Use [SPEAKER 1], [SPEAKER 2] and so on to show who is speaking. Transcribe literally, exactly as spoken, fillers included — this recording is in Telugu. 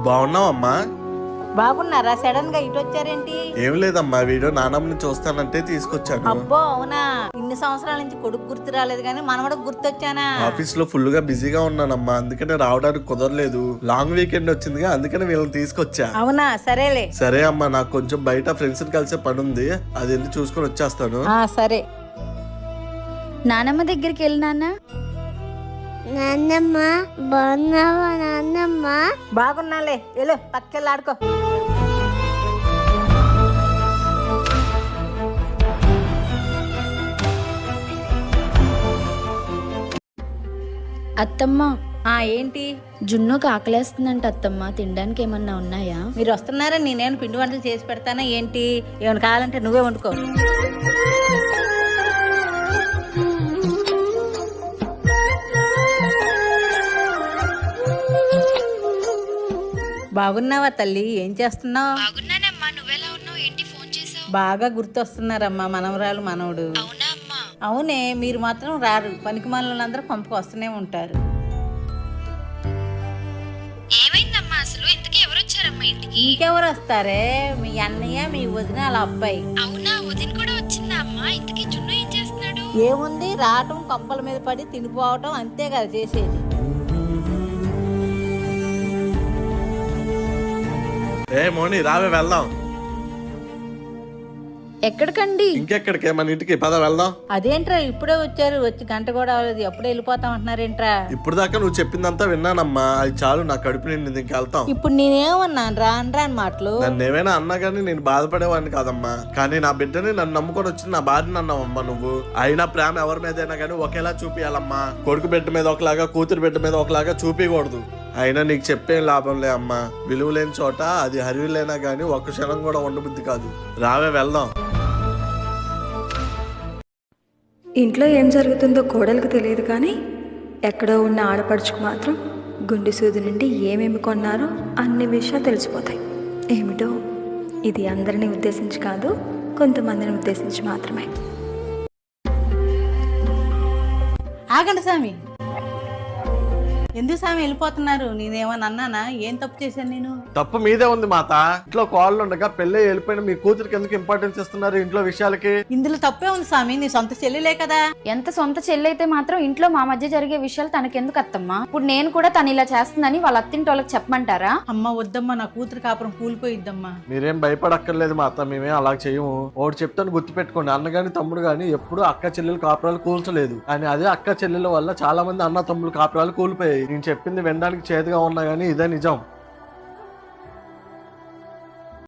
[SPEAKER 1] బాగున్నావమ్మా?
[SPEAKER 2] బాగున్నారా? సడన్ గా ఇటు వచ్చారేంటి?
[SPEAKER 1] ఏం లేదమ్మా, వీడియో నానమ్మని చూస్తానంటే తీసుకొచ్చాను.
[SPEAKER 2] అబ్బో అవునా? ఇన్ని సంవత్సరాల నుంచి కొడుకు గుర్తు రాలేదు కానీ మనవడకు గుర్తొచ్చానా?
[SPEAKER 1] ఆఫీస్ లో ఫుల్ గా బిజీగా ఉన్నానమ్మా, అందుకనే రావడానికి కుదరలేదు. లాంగ్ వీకెండ్ వచ్చిందిగా, అందుకనే వీళ్ళని తీసుకొచ్చా.
[SPEAKER 2] అవునా, సరేలే.
[SPEAKER 1] సరే అమ్మా, నాకు కొంచెం బయట ఫ్రెండ్స్ కలిసే పని ఉంది, అది వెళ్ళి చూసుకొని వచ్చేస్తాను.
[SPEAKER 2] ఆ సరే.
[SPEAKER 3] నానమ్మ దగ్గరికి వెళ్ళి నాన్న.
[SPEAKER 4] నాన్నమ్మ బాగున్నావా? నాన్నమ్మ
[SPEAKER 2] బాగున్నాలే, వెళ్ళు పక్కకెళ్ళి ఆడుకో.
[SPEAKER 3] అత్తమ్మ,
[SPEAKER 2] ఆ ఏంటి?
[SPEAKER 3] జున్నుకు ఆకలేస్తుందంట అత్తమ్మ, తినడానికి ఏమన్నా ఉన్నాయా?
[SPEAKER 2] మీరు వస్తున్నారా? నేనేమైనా పిండి వంటలు చేసి పెడతానా ఏంటి? ఏమైనా కావాలంటే నువ్వే వండుకో. బాగున్నావా తల్లి? ఏం చేస్తున్నావు?
[SPEAKER 3] బాగున్నానమ్మా, నువ్వెలా ఉన్నావు? ఏంటి ఫోన్ చేసావు?
[SPEAKER 2] బాగా గుర్తొస్తున్నారమ్మా మనవరాలు మనవడు.
[SPEAKER 3] అవునా అమ్మా?
[SPEAKER 2] అవునే, మీరు మాత్రం రారు. పనికి మనలందరూ పంపకు వస్తూనే ఉంటారు.
[SPEAKER 3] ఏమైందమ్మా అసలు? ఇంతకీ ఎవరు వచ్చారమ్మా ఇంటికి?
[SPEAKER 2] ఇంకెవరు వస్తారే? మీ అన్నయ్య, మీ వదిన, వాళ్ళ అబ్బాయి.
[SPEAKER 3] అవునా, వదిన కూడా వచ్చిందా అమ్మా? ఇంతకీ జున్ను ఏం చేస్తున్నాడు?
[SPEAKER 2] ఏముంది, రావటం కొంపల మీద పడి తినిపోవటం, అంతే కదా చేసేది.
[SPEAKER 1] ఏ మోని, రావే వెళ్దాం.
[SPEAKER 3] ఎక్కడికండి?
[SPEAKER 1] ఇంకెక్కడికే, మన ఇంటికి పద వెళ్దాం.
[SPEAKER 2] అదేంట్రా ఇప్పుడే వచ్చారు? వచ్చి గంట కూడా అవ్వలేదు, ఎప్పుడే వెళ్ళిపోతాం అంటున్నారేంట్రా?
[SPEAKER 1] ఇప్పుడు దాకా నువ్వు చెప్పిందంతా విన్నానమ్మా, అది చాలు, నా కడుపు నిండింది, ఇంకెళ్తాం.
[SPEAKER 2] ఇప్పుడు నేనేమన్నాను? రా అనరా అని మాటలు.
[SPEAKER 1] నన్ను ఏమైనా అన్నా గానీ నేను బాధపడేవాడిని కాదమ్మా, కానీ నా బిడ్డని నన్ను నమ్ముకొని వచ్చిన నా భార్యని అన్నావమ్మా నువ్వు. అయినా ప్రేమ ఎవరి మీదైనా కానీ ఒకేలా చూపియాలమ్మా. కొడుకు బిడ్డ మీద ఒకలాగా, కూతురు బిడ్డ మీద ఒకలాగా చూపించకూడదు. అయినా నీకు చెప్పేం లాభంలే అమ్మా, విలువ లేని చోట అది హరివిలేనా గానీ ఒక్క క్షణం కూడా ఉండబుద్ధి కాదు. రావే వెళ్దాం.
[SPEAKER 5] ఇంట్లో ఏం జరుగుతుందో కోడలికి తెలియదు కానీ ఎక్కడో ఉన్న ఆడపడుచుకు మాత్రం గుండె సూది నుండి ఏమేమి కొన్నారో అన్ని విషయాలు తెలిసిపోతాయి. ఏమిటో ఇది అందరినీ ఉద్దేశించి కాదు, కొంతమందిని ఉద్దేశించి మాత్రమే.
[SPEAKER 2] ఆగండి స్వామి, ఎందుకు స్వామి వెళ్ళిపోతున్నారు? నేనేమన్నా అన్నానా? ఏం తప్పు చేశాను నేను?
[SPEAKER 1] తప్పు మీదే ఉంది మాత. ఇంట్లో కోళ్ళు ఉండగా పెళ్ళి వెళ్ళిపోయిన మీ కూతురికి ఎందుకు ఇంపార్టెన్స్ ఇస్తున్నారు ఇంట్లో విషయాలకి?
[SPEAKER 2] ఇందులో తప్పే ఉంది స్వామి, నీ సొంత చెల్లిలే కదా.
[SPEAKER 3] ఎంత సొంత చెల్లైతే మాత్రం ఇంట్లో మా మధ్య జరిగే విషయాలు తనకెందుకు అత్తమ్మా? ఇప్పుడు నేను కూడా తను ఇలా చేస్తుందని వాళ్ళ అత్తింటి వాళ్ళకి చెప్పమంటారా?
[SPEAKER 2] అమ్మ వద్దమ్మా, నా కూతురు కాపురం కూలిపోయిద్దమ్మా.
[SPEAKER 1] మీరేం భయపడక్కర్లేదు మాత, మేమేం అలా చేయము. ఒకటి చెప్తాను గుర్తు పెట్టుకోండి, అన్న గాని తమ్ముడు గాని ఎప్పుడు అక్క చెల్లెలు కాపురాలు కూల్చలేదు. కానీ అదే అక్క చెల్లెల వల్ల చాలా మంది అన్న తమ్ముడు కాపురాలు కూలిపోయాయి. నేను చెప్పింది వినడానికి చేదుగా ఉన్నా గానీ ఇదే నిజం.